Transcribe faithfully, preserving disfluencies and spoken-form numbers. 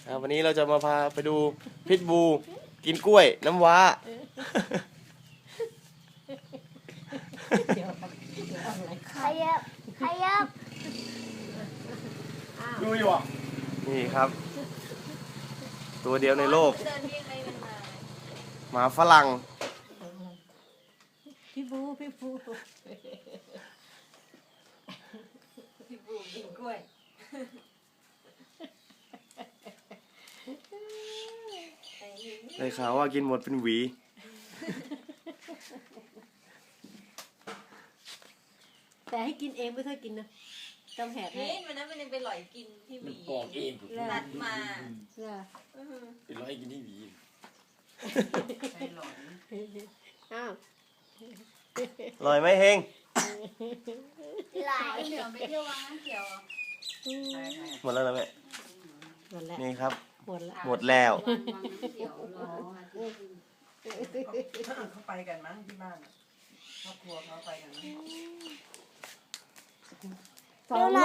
ครับวันนี้เราจะมาพาไปดูพิทบูกินกล้วยน้ำว้าเดี๋ยวเดี๋ยวอะไรขยับขยับดูอยู่อ่ะนี่ครับ ตัวเดียวในโลกเดินเรียงอะไรมันมาหมาฝรั่งพี่บูพี่บูพี่บูกินกล้วยได้ข่าวว่ากินหมดเป็นหวีแต่ให้กินเองไม่เคยกินนะต้องแหกให้เฮ้ยวันนั้นมันยังไปหลอยกินที่หวีปอกเองนัดมาเชื่ออื้อหือเป็นร้อยกินที่หวีอ้าวอร่อยไหมเฮงไหลเหลือไปเที่ยววังน้ำเขียวอ่ะหมดแล้วนะแม่หมดแล้วนี่ครับหมดแล้วหมดแล้ววังน้ำเขียวรออาทิตย์เขาไปกันมั้งที่บ้านอะครอบครัวเขาไปกันมั้งสอง